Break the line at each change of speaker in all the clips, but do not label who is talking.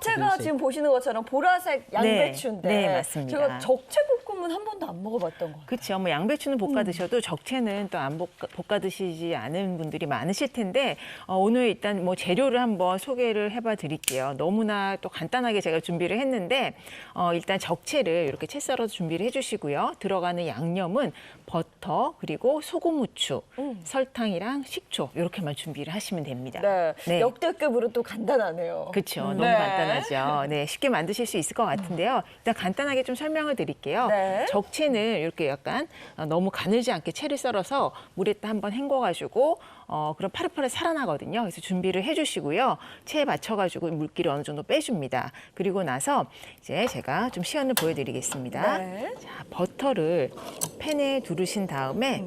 자체가 지금 보시는 것처럼 보라색 양배추인데
네, 맞습니다.
제가 적채볶음은 한 번도 안 먹어봤던 것 같아요.
그렇죠. 뭐 양배추는 볶아 드셔도 적채는 또 안 볶아 드시지 않은 분들이 많으실 텐데 오늘 일단 뭐 재료를 한번 소개를 해봐 드릴게요. 너무나 또 간단하게 제가 준비를 했는데 일단 적채를 이렇게 채 썰어서 준비를 해주시고요. 들어가는 양념은 버터 그리고 소금, 후추, 설탕이랑 식초 이렇게만 준비를 하시면 됩니다.
네,
네.
역대급으로 또 간단하네요.
그렇죠. 너무
네.
간단하죠. 네, 쉽게 만드실 수 있을 것 같은데요. 일단 간단하게 좀 설명을 드릴게요.
네.
적채는 이렇게 약간 너무 가늘지 않게 채를 썰어서 물에다 한번 헹궈가지고 그럼 파릇파릇 살아나거든요. 그래서 준비를 해주시고요. 채에 맞춰가지고 물기를 어느 정도 빼줍니다. 그리고 나서 이제 제가 좀 시연을 보여드리겠습니다.
네.
자, 버터를 팬에 두르신 다음에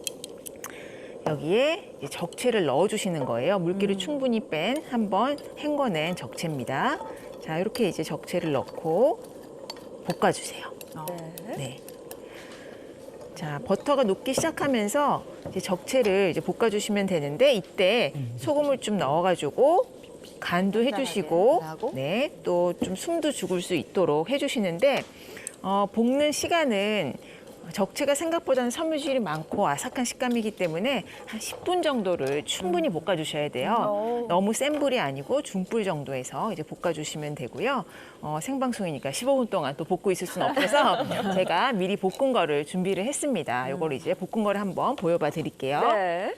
여기에 이제 적채를 넣어주시는 거예요. 물기를 충분히 뺀 한번 헹궈낸 적채입니다. 자, 이렇게 이제 적채를 넣고 볶아주세요.
네.
네. 자, 버터가 녹기 시작하면서 이제 적채를 이제 볶아주시면 되는데 이때 소금을 좀 넣어가지고 간도 해주시고,
간하고.
네, 또 좀 숨도 죽을 수 있도록 해주시는데 볶는 시간은 적채가 생각보다는 섬유질이 많고 아삭한 식감이기 때문에 한 10분 정도를 충분히 볶아주셔야 돼요. 너무 센 불이 아니고 중불 정도에서 이제 볶아주시면 되고요. 생방송이니까 15분 동안 또 볶고 있을 수는 없어서 제가 미리 볶은 거를 준비를 했습니다. 이걸 이제 볶은 거를 한번 보여봐 드릴게요.
네.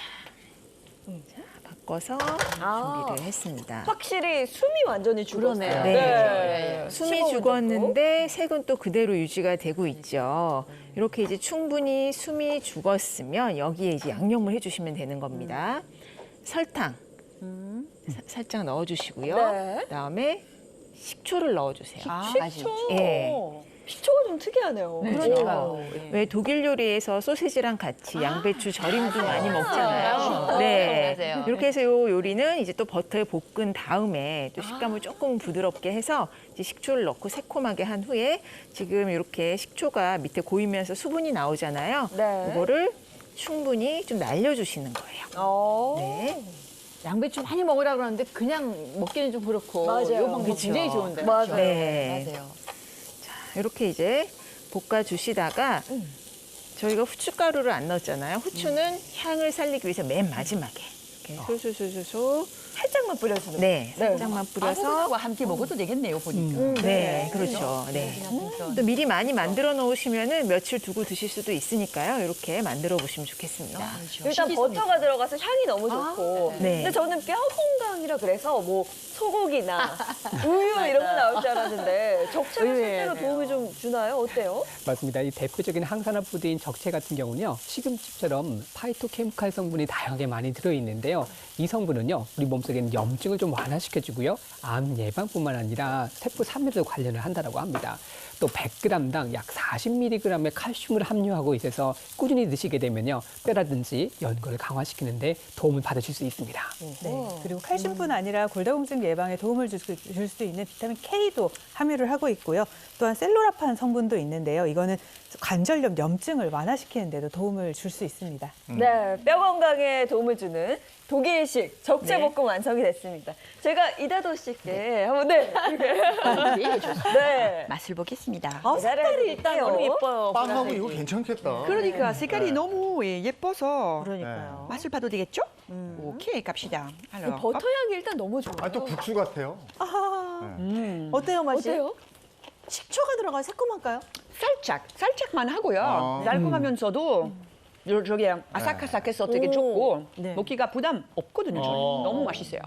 바꿔서
아.
준비를 했습니다.
확실히 숨이 완전히 죽었어요.
그러네요.
네. 숨이
15분
죽었는데 색은 또 그대로 유지가 되고 있죠. 이렇게 이제 충분히 숨이 죽었으면 여기에 이제 양념을 해주시면 되는 겁니다. 설탕 살짝 넣어주시고요.
네.
그다음에 식초를 넣어주세요.
식초.
예.
식초가 좀 특이하네요.
그러니까요.
왜 독일 요리에서 소시지랑 같이 양배추 절임도 많이 먹잖아요. 네.
맞아요.
이렇게 해서 요 요리는 이제 또 버터에 볶은 다음에 또 식감을 조금 부드럽게 해서 이제 식초를 넣고 새콤하게 한 후에 지금 이렇게 식초가 밑에 고이면서 수분이 나오잖아요.
네.
이거를 충분히 좀 날려주시는 거예요. 네.
양배추 많이 먹으라 그러는데 그냥 먹기는 좀 그렇고
맞아요.
이 방법
그쵸.
굉장히 좋은데.
맞아요.
네.
맞아요.
이렇게 이제 볶아주시다가 저희가 후춧가루를 안 넣었잖아요. 후추는 향을 살리기 위해서 맨 마지막에 이렇게 솔솔솔솔솔
살짝만 뿌려주는
네, 살짝만
아무거나
뿌려서
함께 먹어도 되겠네요, 보니까.
네, 그렇죠. 네. 또 미리 많이 만들어 놓으시면은 며칠 두고 드실 수도 있으니까요. 이렇게 만들어 보시면 좋겠습니다.
일단 버터가 들어가서 향이 너무 좋고.
네.
근데 저는 뼈 건강이라 그래서 뭐 소고기나 우유 이런 거 나올 줄 알았는데 적채가 실제로 도움이 좀 주나요? 어때요?
맞습니다. 이 대표적인 항산화 푸드인 적채 같은 경우는요, 시금치처럼 파이토케미칼 성분이 다양하게 많이 들어있는데요. 이 성분은요, 우리 몸속에 있는 염증을 좀 완화시켜주고요, 암 예방뿐만 아니라 세포 산멸에도 관련을 한다고 합니다. 또 100g당 약 40mg의 칼슘을 함유하고 있어서 꾸준히 드시게 되면요, 뼈라든지 연골을 강화시키는데 도움을 받으실 수 있습니다.
네. 그리고 칼슘뿐 아니라 골다공증 예방에 도움을 줄 수 있는 비타민 K도 함유를 하고 있고요. 또한 셀로라판 성분도 있는데요. 이거는 관절염, 염증을 완화시키는 데도 도움을 줄 수 있습니다.
네, 뼈 건강에 도움을 주는 독일식 적채볶음 완성이 됐습니다. 제가 이다도 씨께 한번 네.
맛을 보겠습니다.
색깔이 일단 너무 예뻐요.
빵하고 이거 괜찮겠다.
그러니까 색깔이 너무 예뻐서
그러니까요.
맛을 봐도 되겠죠? 오케이, 갑시다.
이 버터 향이 일단 너무 좋아요.
아, 또 국수 같아요.
어때요, 맛이?
어때요?
식초가 들어가요? 새콤할까요?
살짝만 하고요.
아.
달콤하면서도 저기 아삭아삭해서 되게 좋고 먹기가 부담 없거든요. 저는. 너무 맛있어요.